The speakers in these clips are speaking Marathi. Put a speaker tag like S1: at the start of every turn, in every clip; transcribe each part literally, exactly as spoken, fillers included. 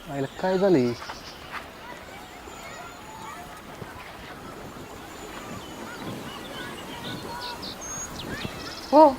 S1: आईला काय झालंय?
S2: हो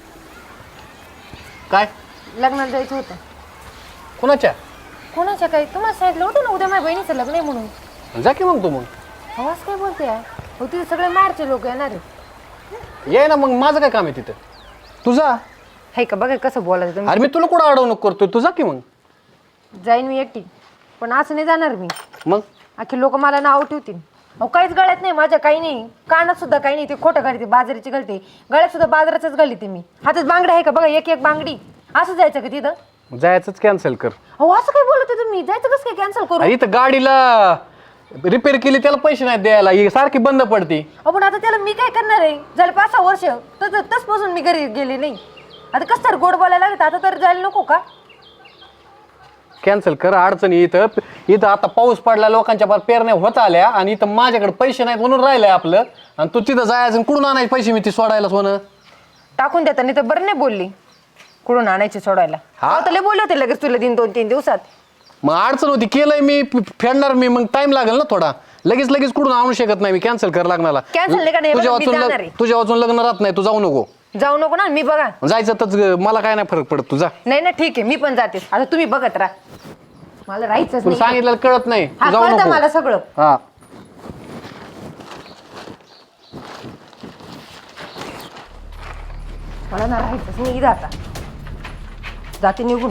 S1: काय
S2: लग्नाला जायचं होतं.
S1: कोणाच्या?
S2: कोणाच्या काही तुम्हाला सांगितलं होतं ना उद्या माझ्या बहिणीचं लग्न आहे म्हणून.
S1: जा की मग तू मग
S2: हो असं काय बोलते आहे हो तिथे सगळे माहेरचे लोक येणार आहे.
S1: ये ना मग, माझं काय काम आहे तिथं? तुझा
S2: हाय का बघा कसं बोलायचं तुम्ही.
S1: अरे मी तुला कुठं अडवणूक करतोय, तुझा की मग.
S2: जाईन मी एकटी पण असं नाही जाणार मी.
S1: मग
S2: अख्खे लोक मला नाव ठेवतील. अहो काहीच गळ्यात नाही माझ्या, काही नाही कानात सुद्धा काही नाही. ते खोटं घालते बाजाराची घालते, गळ्यात सुद्धा बाजाराचंच घालते मी. हातात बांगड्या आहे का बघा, एक एक बांगडी. असं जायचं का तिथं?
S1: जायचंच कॅन्सल कर.
S2: हो असं काय बोलत आहे तुम्ही? जायचं कसं काय कॅन्सल करू?
S1: अरे इथं गाडीला रिपेअर केली त्याला पैसे नाही द्यायला, ही सारखी बंद पडती.
S2: अहो पण आता त्याला मी काय करणार आहे? झालं पाच सहा वर्ष तर तसपासून मी घरी गेले नाही. आता कसं तर गोड बोलायला लागत, आता तर जायला नको का?
S1: कॅन्सल कर. अडचणी इथं इथं आता पाऊस पडला, लोकांच्या पार पेरण्या होत आल्या आणि इथं माझ्याकडे पैसे नाहीत म्हणून राहिलंय आपलं. आणि तू तिथं जायचं आणि कुठून आणायचे पैसे मी ती सोडायला सोनं?
S2: टाकून देता नाही तर बरं नाही बोलली. कुठून आणायची सोडायला?
S1: हा.
S2: हा तर बोलले होते लगेच तुला दिन दोन तीन दिवसात.
S1: मग अडचण होती, केलंय मी, फेडणार मी, मग टाइम लागेल ना थोडा. लगेच लगेच कुठून आणू शकत नाही मी, कॅन्सल कर लागणार.
S2: Cancel नाही का? नाही,
S1: तुझ्या
S2: बघा, मी
S1: वाचून
S2: जाणार
S1: लग-
S2: आहे.
S1: तुझ्या वाचून लग्न राहत नाही, तू जाऊ नको.
S2: जाऊ नको ना, मी बघा.
S1: जायचं तर मला काय नाही फरक पडत, तुझा.
S2: नाही ना ठीक आहे, मी पण जाते. आता तुम्ही बघत राहा, मला राहायचंच
S1: तुला
S2: नाही.
S1: सांगितलं कळत नाही,
S2: हा
S1: तू जाऊ
S2: कळतं
S1: नको.
S2: मला सगळं.
S1: हा
S2: मला ना राहायचंच नाही इथं आता. जाते निघून.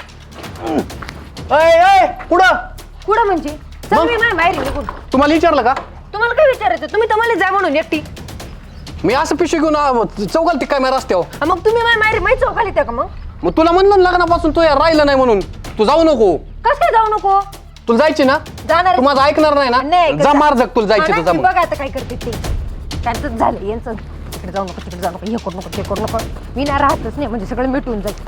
S1: अय अय पुढं.
S2: कुठं म्हणजे? चल
S1: मग?
S2: मी माझ्या बाहेर निघून.
S1: तुम्हाला विचारलं का?
S2: तुम्हाला काय विचारायचं? तुम्ही तर मला जा म्हणून एकटी.
S1: मी असं पिशवी घेऊन आ- चौकाल ती काय माझ्या रस्त्यावर.
S2: हा, मग तुम्ही माझ्या माहेर माहीत चौकाली त्या का? मग
S1: मग तुला म्हणलं ना लग्नापासून तू या राहिलं नाही म्हणून, तू जाऊ नको.
S2: कसं काय जाऊ नको?
S1: तुला जायची ना?
S2: जाणार.
S1: तू माझं ऐकणार नाही
S2: नाही,
S1: ना? जा मार जग, तुला जायची
S2: हा
S1: तर
S2: ना,
S1: जा
S2: मी
S1: मग.
S2: बघा आता काय करते ते. त्यांचं झालं यांचं. तिकडे जाऊ नको, तिकडे जाऊ नको, हे करू नको, ते करू नको. मी ना राहतच नाही, म्हणजे सगळं मिटून जाईल.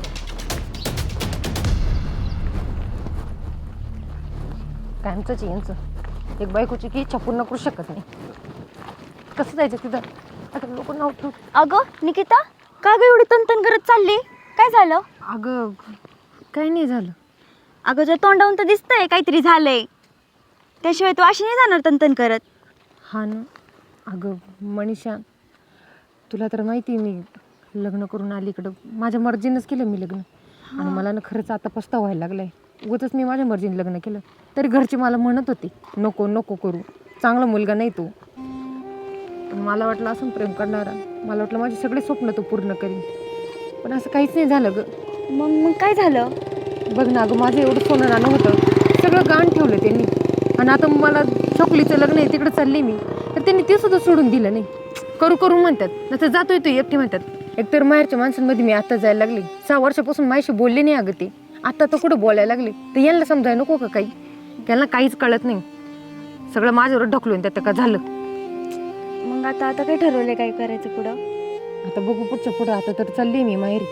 S2: कायमचंच आहे यांचं. एक बायकोची की इच्छा पूर्ण करू शकत नाही. कसं जायचं तिथं? आता लोक नाव ठेवू.
S3: अगं निकिता, का ग एवढी तनतन करत चालली? काय झालं?
S2: अगं काही नाही झालं.
S3: अगं जर तोंडावून तर दिसतंय काहीतरी झालंय, त्याशिवाय तू अशी नाही जाणार तनतन करत.
S2: हा ना. अगं मनीषा, तुला तर माहिती मी लग्न करून आली इकडं. माझ्या मर्जीनंच केलं मी लग्न. आणि मला ना खरंच आता पस्तावा व्हायला लागलाय. उगाचच मी माझ्या मर्जीने लग्न केलं. तरी घरचे मला म्हणत होते नको नको करू, चांगला मुलगा नाही तो. पण मला वाटलं असं प्रेम करणारा, मला वाटलं माझे सगळे स्वप्न तो पूर्ण करीन. पण असं काहीच नाही झालं ग.
S3: मग मग काय झालं?
S2: बघ ना अगं, माझं एवढं सोनं नाणं होतं, सगळं गाण ठेवलं त्यांनी. आणि आता मला छोकलीचं लग्न आहे तिकडे चालली मी, तर त्यांनी ते सुद्धा सोडून दिलं नाही. करू करू म्हणतात, नंतर जातोय तो एकटी म्हणतात. एकतर माहेरच्या माणसांमध्ये मी आता जायला लागले. सहा वर्षापासून माझ्याशी बोलले नाही अगं ते. आता तर कुठं बोलायला लागले. तर यांना समजायला नको का काही? त्यांना काहीच कळत नाही. सगळं माझ्यावर ढकलून त्यात का झालं.
S3: मग आता आता काय ठरवलंय काय करायचं पुढं?
S2: आता बघू पुढच्या पुढं. आता तर चालली मी माहेरी.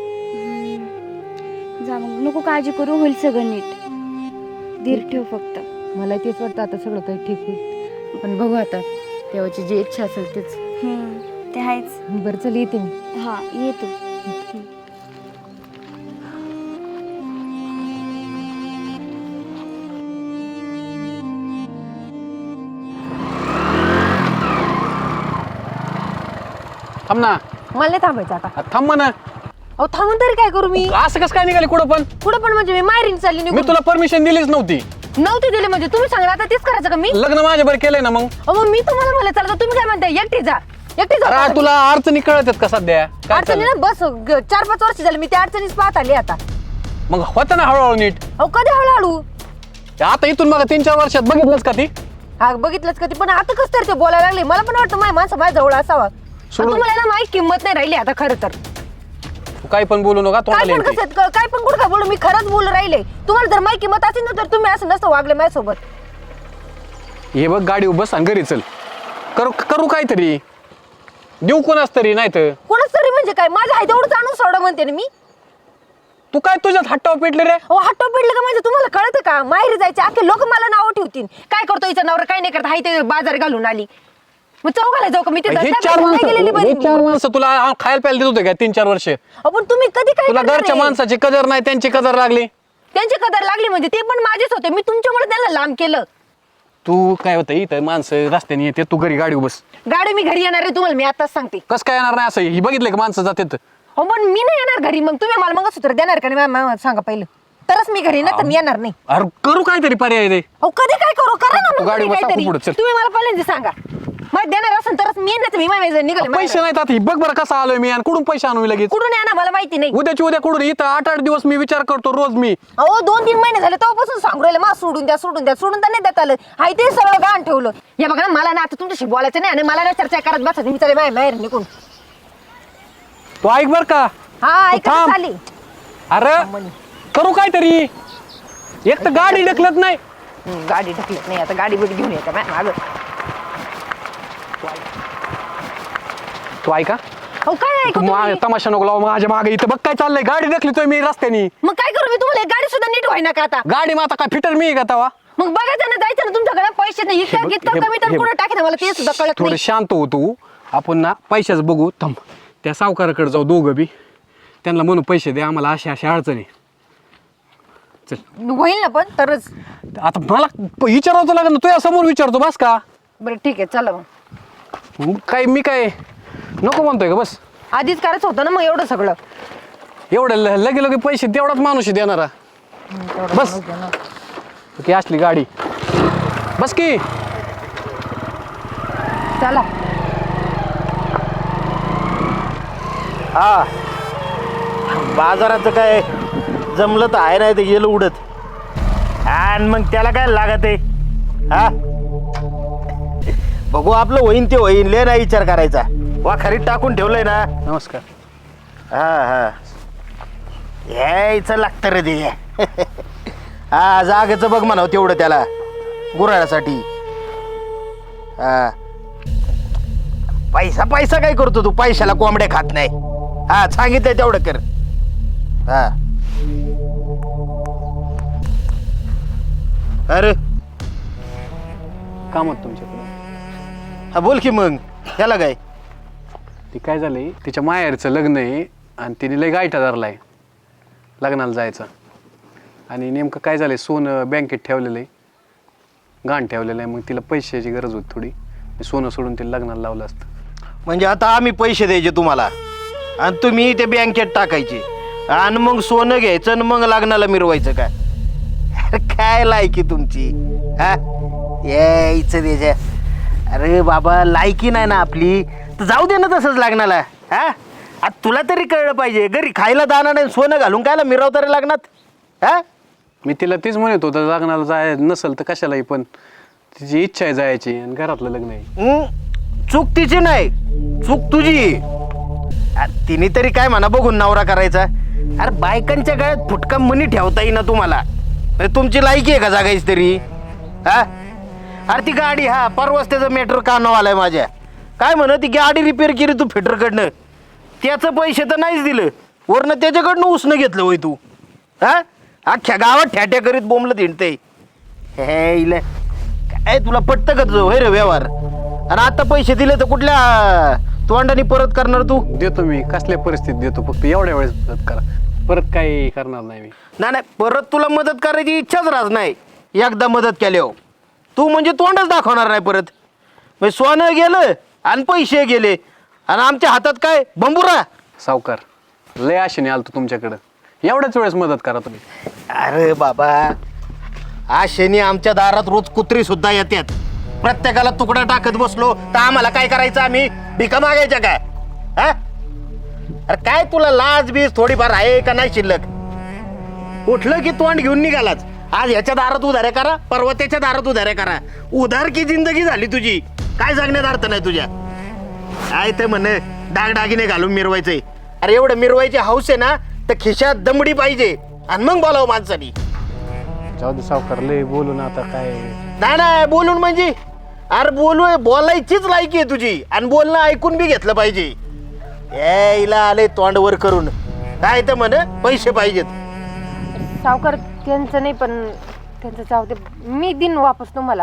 S3: जा मग, नको काळजी करू, होईल सगळं नीट. धीर ठेव फक्त.
S2: मला तेच वाटतं आता सगळं काही ठीक होईल. पण बघू आता, देवाची जी इच्छा असेल तेच.
S3: हम्म, ते आहेच.
S2: बरं चल येते मी.
S3: हा ये तू.
S1: थांब ना.
S2: मला नाही थांबायचं आता.
S1: आ, थांब ना.
S2: अहो थांबून तरी काय करू मी?
S1: असं कसं काय निघाली कुठं पण?
S2: पुढं पण म्हणजे मी माहेरीने चालली
S1: मी
S2: निघून.
S1: तुला परमिशन दिलीच नव्हती.
S2: नव्हती दिली म्हणजे तुम्ही सांगा आता तेच करायचं का मी?
S1: लग्न माझ्या बरं केलंय ना मग.
S2: अहो मग मी तुम्हाला म्हणलं चला तर तुम्ही काय म्हणताय? एकटी जा, एकटी जा.
S1: अरे तुला अडचणी कळत आहेत का सध्या? काय
S2: अडचणी
S1: चाललंय?
S2: ना बस ग- चार पाच वर्ष झाली मी त्या अडचणीच पाहत आली आता.
S1: मग होतं ना हळूहळू नीट.
S2: अहो कधी हळूहळू?
S1: आता इथून मग तीन चार वर्षात बघितलंच का ती?
S2: हा बघितलंच कधी. पण आता कसं तर ते बोलायला लागले. मला पण वाटतं माझ्या माणसं माझ्या जवळ असावा. पण
S1: सोडून-
S2: तुम्हाला ना माझी किंमत नाही राहिली आता खरं तर.
S1: तू काही पण बोलू नका,
S2: काय
S1: तोंडाला
S2: पण
S1: येईल
S2: कसं क- काय पण कुठं काय बोलू? मी खरंच बोलू राहिले. तुम्हाला जर माझी किंमत असेल ना तर तुम्ही असं नसतं वागले माझ्यासोबत.
S1: ती. हे बघ गाडी बस आणि घरी चल. करू करू काहीतरी, देऊ कोणाच तरी. नाही तर
S2: कोणाच तरी म्हणजे काय? माझ्या आहे तेवढंच आणून सोडा म्हणते ना मी.
S1: तू काय तुझ्यात हट्टावर पेटले रे?
S2: अहो हट्टो पिडलं का म्हणजे तुम्हाला कळतं का? माहेरी जायचे अख्खे लोक मला नावं ठेवतील. काय करतो हिचा नवरा? काय नाही करत, हाय ते बाजार घालून आली. मग चौघाला जाऊ का मी? तिथं
S1: हे
S2: काय
S1: चार
S2: काय
S1: माणसं
S2: गेलेली बरी
S1: हे
S2: मी.
S1: चार माणसं तुला खायला प्यायला देत होते का तीन चार वर्ष?
S2: अहो, पण तुम्ही कधी काय
S1: तुला
S2: करणार
S1: घरच्या
S2: आहे?
S1: माणसाची कदर नाही, त्यांची कदर लागली.
S2: त्यांची कदर लागली म्हणजे ते पण माझेच होते, मी तुमच्यामुळे त्यांना लांब केलं.
S1: तू काय होतं इथं माणसं रस्त्याने येते, तू घरी गाडी बस.
S2: गाडी मी घरी येणार आहे तुम्हाला मी आताच सांगते.
S1: कसं काय येणार नाही असं? ही बघितलं का माणसं जातात?
S2: हो पण मी नाही येणार घरी. मग तुम्ही मला मंगळसूत्र देणार का नाही मा- मा- सांगा पहिलं, तरच मी घरी ना तर मी येणार नाही.
S1: अरे करू काहीतरी पर्याय दे.
S2: अहो कधी काय करू करा ना
S1: तू
S2: मग
S1: गाडी
S2: तुम्ही
S1: बसा,
S2: काहीतरी.
S1: पुढं चल.
S2: तुम्ही मला पहिल्यांदा सांगा, मग देणार असेल तरच मी नाही तर मी माझ्या निघाले.
S1: पैसे नाहीत आता, ही बघ बरं कसा आलोय मी आणि कुठून पैसे आणू मी लगेच?
S2: कुठून येणार मला माहिती नाही.
S1: उद्याची उद्या कुठून? इथं आठ आठ दिवस मी विचार करतो रोज मी.
S2: अहो दोन तीन महिने झाले तेव्हापासून सांगू राहिले मा सोडून द्या सोडून द्या सोडून तर नाही देत आलं. हाय ते सगळं गाण ठेवलं. हे बघा ना मला ना आता तुमच्याशी बोलायचं नाही आणि मला ना चर्चा करत बसायचं. मी चालेल माझ्या बाहेर निघून.
S1: तू ऐक बर का.
S2: हा
S1: तू
S2: ऐका
S1: थांब.
S2: चाली.
S1: अरे करू काहीतरी. एक तर गाडी ढकलत नाही.
S2: गाडी ढकलत नाही आता, गाडी बिडी घेऊन येते मागं.
S1: तू ऐका.
S2: अहो काय ऐकू
S1: तू मा-
S2: तुम्ही?
S1: तमाशा नको लावू माझ्या मागे. इथं बघ काय चाललंय, गाडी ढकलतोय मी रस्त्यानी.
S2: मग काय करू मी? तुम्हाला एक गाडी सुद्धा नीट व्हायना का आता?
S1: गाडी मग आता काय फिटर मी का तवा?
S2: मग बघायचं ना, जायचं ना, तुमच्याकडे पैसे नाही.
S1: हे
S2: इतकं
S1: बघ,
S2: इतकं
S1: हे
S2: कमी
S1: बघ,
S2: तर
S1: हे
S2: कुठं
S1: बघ.
S2: टाकेन मला ते सुद्धा कळत
S1: थोडं
S2: नाही.
S1: शांत हो तू. आपण ना पैशाच बघू. थांब, त्या सावकाराकडे जाऊ दोघं बी. त्यांना म्हणू पैसे दे आम्हाला, अशा अशा अडचणी. चल
S2: होईल ना पण तरच.
S1: आता मला विचारावं लागेल ना, तुझ्या समोर विचारतो बस का?
S2: बरं ठीक आहे चला मग.
S1: मग काय मी काय नको म्हणतोय का? बस
S2: आधीच करायचं होतं ना मग एवढं सगळं.
S1: एवढं ल- लगे लगे पैसे तेवढाच माणूस आहे देणारा. बस की असली गाडी. बस की.
S2: चला.
S4: हा बाजाराचं काय जमलं तर आहे, नाही तर गेलं उडत. आणि मग त्याला काय लागत आहे? हा बघू आपलं होईन ते होईन, ले नाही विचार करायचा. वा खरीत टाकून ठेवलंय ना.
S1: नमस्कार.
S4: हा हा यायचं लागतं रे ते. हा जागेचं बघ म्हणावं तेवढं त्याला गुराळ्यासाठी. हा पैसा पैसा काय करतो तू? पैशाला कोंबड्या खात नाही. हा सांगितलंय तेवढं कर. हा अरे
S1: काम होतं तुमच्याकडे.
S4: हा बोल की मग. त्याला काय?
S1: ती काय झालंय, तिच्या माहेरचं लग्न आहे आणि तिने लय गायटा धरलाय लग्नाला जायचं. आणि नेमकं काय झालंय, सोनं बँकेत ठेवलेलं आहे, गाण ठेवलेलं आहे. मग तिला पैशाची गरज होती थोडी. मी सोनं सोडून तिला लग्नाला लावलं असतं.
S4: म्हणजे आता आम्ही पैसे द्यायचे तुम्हाला आणि तुम्ही ते बँकेत टाकायचे आणि मग सोनं घ्यायचं आणि मग लग्नाला मिरवायचं काय? अरे काय लायकी तुमची? हा यायचं त्याच्या. अरे बाबा लायकी नाही ना आपली तर जाऊ दे ना तसंच लग्नाला. हा आता तुला तरी कळलं पाहिजे, घरी खायला दाना नाही सोनं घालून कायला मिरवता रे लग्नात? हा
S1: मी तिला तेच म्हणत होतं, लग्नाला जाय नसेल तर कशालाही, पण तिची इच्छा आहे जायची आणि घरातलं लग्न आहे.
S4: हं? चूक तिची नाही, चूक तुझी. अरे तिने तरी काय म्हणा बघून नवरा करायचा. अरे बायकांच्या गळ्यात फुटका मनी ठेवता येईना तुम्हाला. म्हणजे तुमची लायकी आहे का जागायची तरी? हा अरे ती गाडी, हा परवाच त्याचं मेट्रो कानाव आलाय माझ्या. काय म्हण ती गाडी रिपेअर केली तू फिटरकडनं, त्याचं पैसे तर नाहीच दिलं, वरनं त्याच्याकडनं उसनं घेतलं होय तू. हा अख्ख्या गावात ठ्याट्या करीत बोंबलं हिंडते. हे इले काय तुला पटतं का तुझं होय रे व्यवहार? आणि आता पैसे दिले तर कुठल्या तोंडाने परत करणार तू?
S1: देतो मी, कसल्या परिस्थितीत देतो, फक्त एवढ्या वेळेस मदत करा, परत काही करणार नाही मी.
S4: नाही नाही परत तुला मदत करायची इच्छाच राहत नाही. एकदा मदत केल्यावर तू म्हणजे तोंडच दाखवणार नाही परत. म्हणजे सोनं गेलं आणि पैसे गेले आणि आमच्या हातात काय बंबुरा.
S1: सावकार लय आशेने आलतो तुमच्याकडं, एवढ्याच वेळेस मदत करा तुम्ही.
S4: अरे बाबा आशेने आमच्या दारात रोज कुत्री सुद्धा येतात. प्रत्येकाला तुकडा टाकत बसलो तर आम्हाला काय करायचं? आम्ही भिका मागायच्या काय? हा अरे काय तुला लाज बीज थोडीफार आहे का नाही शिल्लक? उठलं की तोंड घेऊन निघालाच. आज ह्याच्या दारात उधाऱ्या करा, परवा त्याच्या दारात उधाऱ्या करा. उधार की जिंदगी झाली तुझी. काय सांगण्यात अर्थ नाही तुझ्या. काय ते म्हणे डागडागिने घालून मिरवायचंय. अरे एवढं मिरवायची हौस आहे ना तर खिशात दमडी पाहिजे आणि मग बोलावं माणसानी.
S1: जाऊ दे सावकार, लय बोलू ना आता काय.
S4: नाही नाही बोलून म्हणजे अरे बोलू बोलायचीच लायकी आहे तुझी आणि बोलणं ऐकून बी घेतलं पाहिजे. यायला आले तोंडवर करून. काय तर म्हण पैसे पाहिजेत.
S2: सावकार त्यांचं नाही पण त्यांचं जाऊ दे, मी दिन वापस तुम्हाला.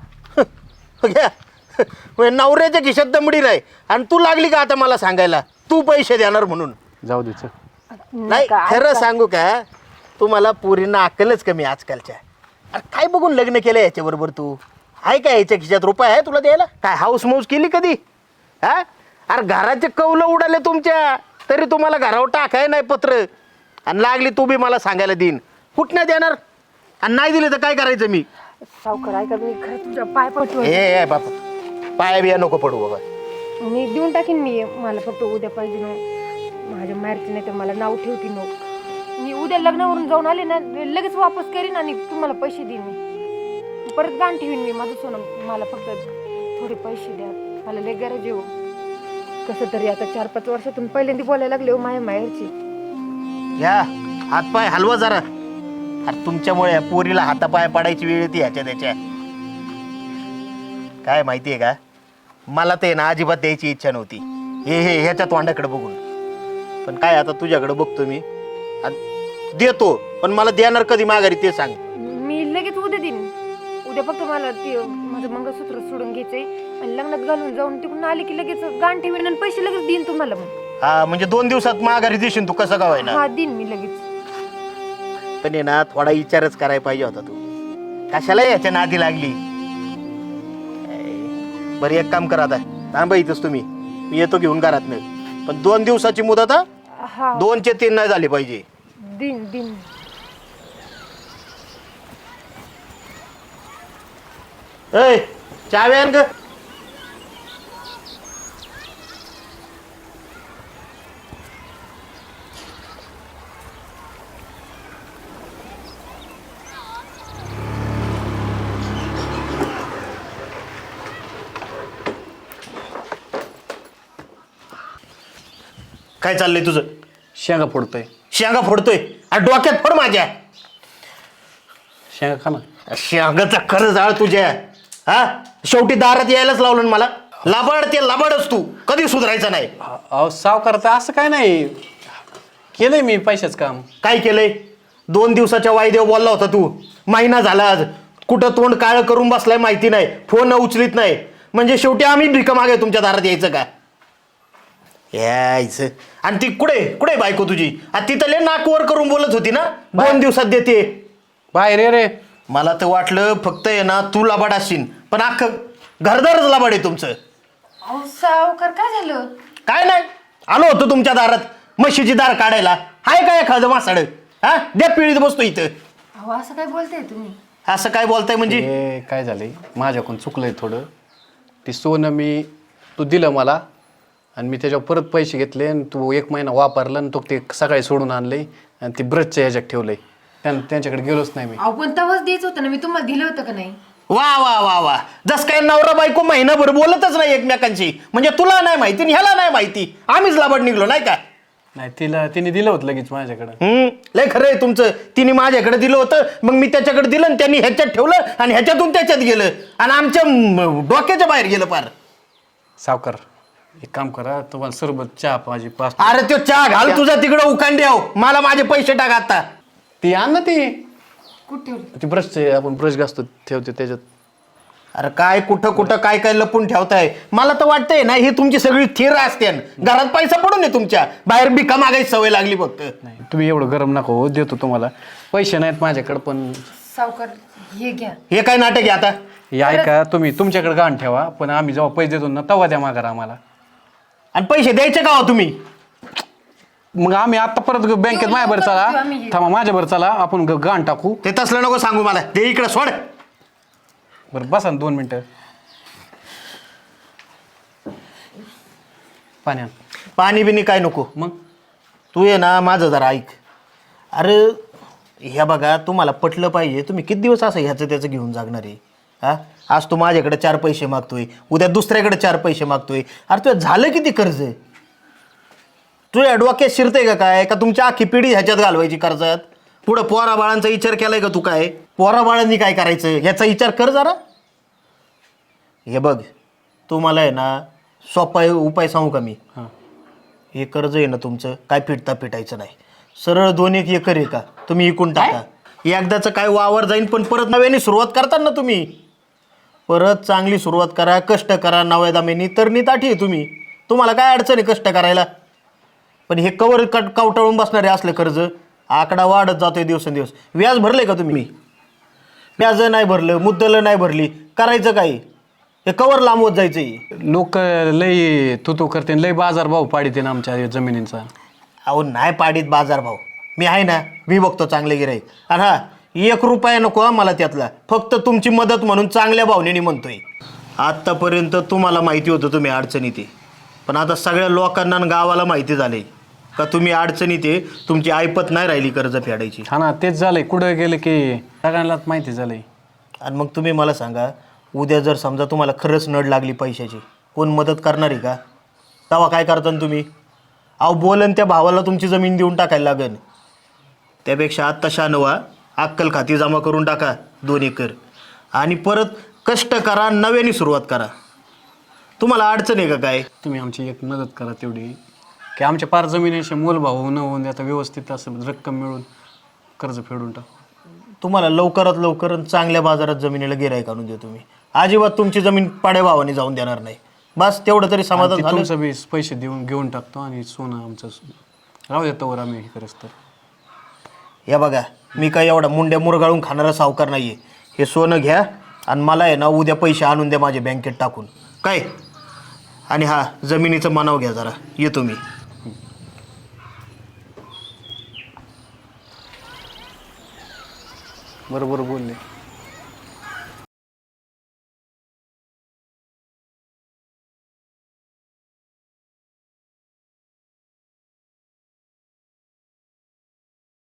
S4: घ्या. म्हणजे नवऱ्याच्या खिशात दमडी नाही आणि तू लागली का आता मला सांगायला तू पैसे देणार म्हणून?
S1: जाऊ दे चल.
S4: नाही
S2: का-
S4: खरं सांगू का तुम्हाला पोरींना अक्कलच कमी आजकालच्या. अरे काय बघून लग्न केलं याच्याबरोबर तू? आहे काय याच्या खिशात रुपये आहे तुला द्यायला? काय हाऊस मौस केली कधी? हा अरे घराचे कौलं उडाले तुमच्या, तरी तुम्हाला घरावर टाकाय नाही पत्र. आणि लागली तू बी मला सांगायला देईन, कुठनं देणार? आणि नाही दिले तर काय करायचं मी?
S2: सावकार ऐका, मी खरं तुझ्या पाय पटू.
S4: ए ए बापा, पाया बिया नको पडू बाबा.
S2: मी देऊन टाकीन. मी मला फक्त उद्या पाहिजे ना माझ्या माहेरची, नाही तर मला नाव ठेवती नो. मी उद्या लग्नावरून जाऊन आले ना लगेच वापस करीन आणि तुम्हाला पैसे देईन. मी परत गाण ठेवीन मी माझं सोनं. मला फक्त थोडे पैसे द्या, मला लय गरज आहे हो. कसं तरी आता चार पाच वर्षातून पहिल्यांदा बोलायला लागले हो माझ्या माहेरची.
S4: या हातपाय हलवा जरा. अरे तुमच्यामुळे या पोरीला हातापाय पडायची वेळ येते ह्याच्या त्याच्या. काय माहितीये का, मला ते ना अजिबात द्यायची इच्छा नव्हती हे हे ह्याच्या तोंडाकडे बघून. पण काय आता तुझ्याकडे बघतो मी आणि देतो, पण मला देणार कधी माघारी ते सांग.
S2: मी लगेच उद्या देईन. उद्या फक्त मला ते माझं मंगळसूत्र सोडून घ्यायचंय आणि लग्नात घालून जाऊन तिकडून आले की लगेच गाण ठेवीन आणि पैसे लगेच देईन तुम्हाला. मग
S4: हा म्हणजे दोन दिवसात माघारी देशील तू, कसं काय ना?
S2: हा देईन मी लगेच.
S4: पण आहे ना थोडा विचारच करायला पाहिजे होता तू. कशाला याच्या नादी लागली? बरं एक काम करा, आता थांबा इथंच तुम्ही, मी येतो घेऊन घरात नाही. पण दोन दिवसाची मुदत हा,
S2: हा
S4: दोनचे तीन नाही झाले पाहिजे.
S2: दिन दिन
S4: ए चावी आण ग. काय चाललंय तुझं?
S1: शेंगा फोडतोय.
S4: शेंगा फोडतोय? अरे डोक्यात फोड माझ्या.
S1: शेंगा खा ना.
S4: शेंगाचा खरं जाळ तुझ्या. हा शेवटी दारात यायलाच लावलं ना मला. लाबाड ते लाबाडच तू, कधी सुधारायचं नाही.
S1: अहो सावकार, तर असं काय नाही, केलंय मी पैशाच काम.
S4: काय केलंय? दोन दिवसाच्या वायदेव बोलला होता तू. महिना झाला आज, कुठं तोंड काळं करून बसलाय माहिती नाही, फोन उचलीत नाही. म्हणजे शेवटी आम्ही भिका मागे तुमच्या दारात यायचं का? यायचं. आणि ती कुठे कुठे बायको तुझी? तिथं लय नाक वर करून बोलत होती ना, दोन दिवसात देते.
S1: बाहेर ये रे.
S4: मला तर वाटलं फक्त आहे ना तू लाबाड असशील, पण अख्खं घरदारच लाबाड आहे तुमचं.
S2: अहो सावकार काय झालं?
S4: काय नाही, आलो होतो तुमच्या दारात म्हशीची दार काढायला. हाय काय एखादं मासाड? हा द्या पिळीत बसतो इथं.
S2: अहो असं काय बोलताय तुम्ही?
S4: असं काय बोलताय म्हणजे?
S1: हे काय झालंय, माझ्याकडून चुकलंय थोडं. ती सोनं मी तू दिलं मला आणि मी त्याच्यावर परत पैसे घेतले आणि तू एक महिना वापरला आणि तो ते सकाळी सोडून आणले आणि ती ब्रशच्या ह्याच्यात ठेवलंय. त्यां त्यांच्याकडे गेलोच नाही मी.
S2: अहो पण तेव्हाच द्यायचं होतं ना, मी तुम्हाला दिलं होतं का नाही?
S4: वा वा वा वा, जस काय नवरा बायको महिनाभर बोलतच नाही एकमेकांशी. म्हणजे तुला नाही माहिती आणि ह्याला नाही माहिती, आम्हीच लाबाड निघलो नाही का?
S1: नाही, तिला तिने दिलं होतं लगेच माझ्याकडं.
S4: हम्म लय खरं आहे तुमचं. तिने माझ्याकडे दिलं होतं, मग मी त्याच्याकडे दिलं आणि त्यांनी ह्याच्यात ठेवलं आणि ह्याच्यातून त्याच्यात गेलं आणि आमच्या म, डोक्याच्या बाहेर गेलं पार.
S1: सावकार एक काम करा, तुम्हाला सरबत चहा पाहिजे पाच.
S4: अरे तो चहा घाल तुझा तिकडं उकांड्याव, मला माझे पैसे टाक आता.
S1: ती आण ना, ती
S2: कुठे ठेवली?
S1: ती ब्रशचे आपण ब्रश घासतो ठेवते त्याच्यात.
S4: अरे काय कुठं कुठं काय काय लपून ठेवताय? मला तर वाटतंय ना ही तुमची सगळी थिर असते. घरात पैसा पडून आहे तुमच्या, बाहेर भिका मागायची सवय लागली फक्त.
S1: नाही तुम्ही एवढं गरम नका हो, देतो तुम्हाला. पैसे नाहीत माझ्याकडे, पण
S2: सावकार हे घ्या.
S4: हे काय नाटक आहे आता?
S1: हे ऐका, तुम्ही तुमच्याकडे गहाण ठेवा, पण आम्ही जेव्हा पैसे देतो ना तेव्हा द्या माघार आम्हाला.
S4: आणि पैसे द्यायचे का हो तुम्ही?
S1: मग आम्ही आता परत बँकेत माझ्यावर चला, थांबा माझ्यावर चला, आपण ग- गहाण टाकू.
S4: ते तसलं नको सांगू मला, ते इकडे सोड.
S1: बरं बसा ना दोन मिनटं. पाण्या
S4: पाणी बिनी काय नको.
S1: मग
S4: तू ये ना माझं जरा ऐक. अरे ह्या बघा, तुम्हाला पटलं पाहिजे. तुम्ही किती दिवस असं ह्याचं त्याचं घेऊन जागणार आहे? हा आज तू माझ्याकडे चार पैसे मागतोय, उद्या दुसऱ्याकडे चार पैसे मागतोय. अरे तुझं झालं किती कर्ज? तुझ्या डोक्यात शिरते का काय? का तुमच्या अख्खी पिढी ह्याच्यात घालवायची कर्जात? पुढं पोरा बाळांचा विचार केलाय का तू? काय पोरा बाळांनी काय करायचं ह्याचा विचार कर जरा. हे बघ, तू मला आहे ना सोपा उपाय सांगू का मी?
S1: हां,
S4: हे कर्ज आहे ना तुमचं, काय फिटता फिटायचं नाही. सरळ दोन एक एकर आहे का, तुम्ही इकून टाका. एकदाचं काय वावर जाईन, पण परत नव्याने सुरुवात करता ना तुम्ही. परत चांगली सुरुवात करा, कष्ट करा, नव्या दामेनी तर निताठी आहे तुम्ही. तुम्हाला काय अडचण आहे कष्ट करायला? पण हे कवर कट कावटाळून बसणारे असलं कर्ज, आकडा वाढत जातोय दिवसेंदिवस. व्याज भरले का तुम्ही? व्याज नाही भरलं, मुद्दल नाही भरली, करायचं काय? हे कवर लांबवत जायचं.
S1: लोक लय तू तू करते, लय बाजार भाव पाडीते ना आमच्या जमिनींचा.
S4: अहो नाही पाडीत बाजारभाव, मी आहे ना, मी बघतो चांगले गिराईक. आणि हा एक रुपया नको हा मला त्यातला, फक्त तुमची मदत म्हणून चांगल्या भावनेने म्हणतोय. आत्तापर्यंत तुम्हाला माहिती होतं तुम्ही अडचणीत आहे, पण आता सगळ्या लोकांना आणि गावाला माहिती झाले का तुम्ही अडचणीत आहे. तुमची ऐपत नाही राहिली कर्ज फेडायची.
S1: हा ना, तेच झालंय. कुठं गेलं की सगळ्यांनाच माहिती झालंय.
S4: आणि मग तुम्ही मला सांगा, उद्या जर समजा तुम्हाला खरंच नड लागली पैशाची, कोण मदत करणार आहे का? तेव्हा काय करता तुम्ही? अहो बोलन त्या भावाला तुमची जमीन देऊन टाकायला लागेल. त्यापेक्षा आत्ता शानवा, अक्कल खाती जमा करून टाका दोन एकर आणि परत कष्ट करा, नव्याने सुरुवात करा. तुम्हाला अडचण आहे का काय?
S1: तुम्ही आमची एक मदत करा तेवढी, की आमच्या पार जमिनीचे मोलभाव न होऊन आता व्यवस्थित असं रक्कम मिळून कर्ज फेडून टाक.
S4: तुम्हाला लवकरात लवकर चांगल्या बाजारात जमिनीला गिराईक आणून देतो मी. अजिबात तुमची जमीन पाड्या भावाने जाऊन देणार नाही. बस तेवढं तरी समाधान
S1: आणि ते
S4: झालं.
S1: तुमचं बी पैसे देऊन घेऊन टाकतो आणि सोनं आमचं राहू देतो वर आम्ही हे करत. तर
S4: या बघा, मी काय एवढा मुंड्या मुरगाळून खाणारा सावकार नाही आहे. हे सोनं घ्या आणि मला आहे ना उद्या पैसे आणून द्या माझ्या बँकेत टाकून काय. आणि हा जमिनीचं मनाव घ्या जरा, येतो मी.
S1: बरोबर बोलले.